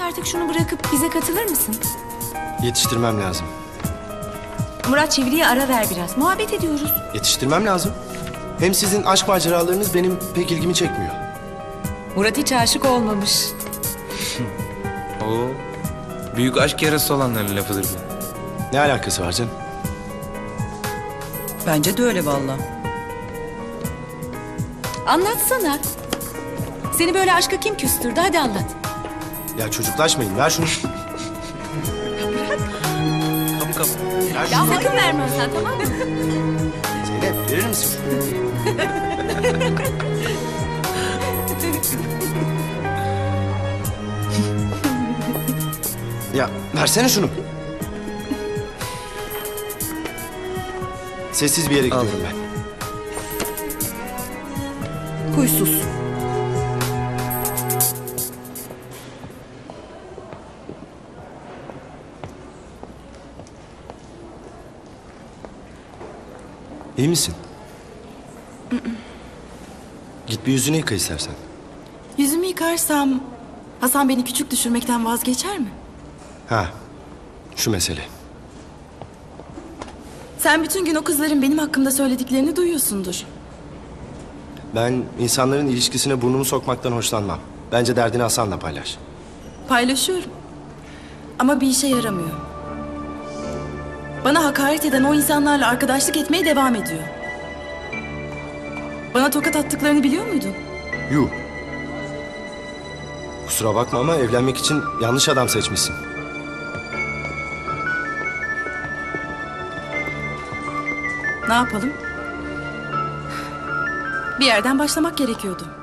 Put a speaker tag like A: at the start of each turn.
A: artık şunu bırakıp bize katılır mısın?
B: Yetiştirmem lazım.
A: Murat, çeviriye ara ver biraz. Muhabbet ediyoruz.
B: Yetiştirmem lazım. Hem sizin aşk maceralarınız benim pek ilgimi çekmiyor.
A: Murat hiç aşık olmamış.
C: Oo. Büyük aşk yarası olanların lafıdır bu.
B: Ne alakası var canım?
D: Bence de öyle vallahi.
A: Anlatsana. Seni böyle aşka kim küstürdü? Hadi anlat.
B: Ya çocuklaşmayın. Ver şunu.
C: Kapı kapı.
B: Ver
A: Ya
B: şunu.
A: sakın verme sen, tamam mı?
B: Zeynep verir misin? Ya versene şunu. Sessiz bir yere
C: Al.
B: gidiyorum ben.
D: Huysuz.
B: İyi misin? Git bir yüzünü yıka istersen.
E: Yüzümü yıkarsam Hasan beni küçük düşürmekten vazgeçer mi?
B: Ha, şu mesele.
E: Sen bütün gün o kızların benim hakkımda söylediklerini duyuyorsundur.
B: Ben insanların ilişkisine burnumu sokmaktan hoşlanmam. Bence derdini Hasan'la paylaş.
E: Paylaşıyorum. Ama bir işe yaramıyor. Bana hakaret eden o insanlarla arkadaşlık etmeye devam ediyor. Bana tokat attıklarını biliyor muydun?
B: Yuh. Kusura bakma ama evlenmek için yanlış adam seçmişsin.
E: Ne yapalım? Bir yerden başlamak gerekiyordu.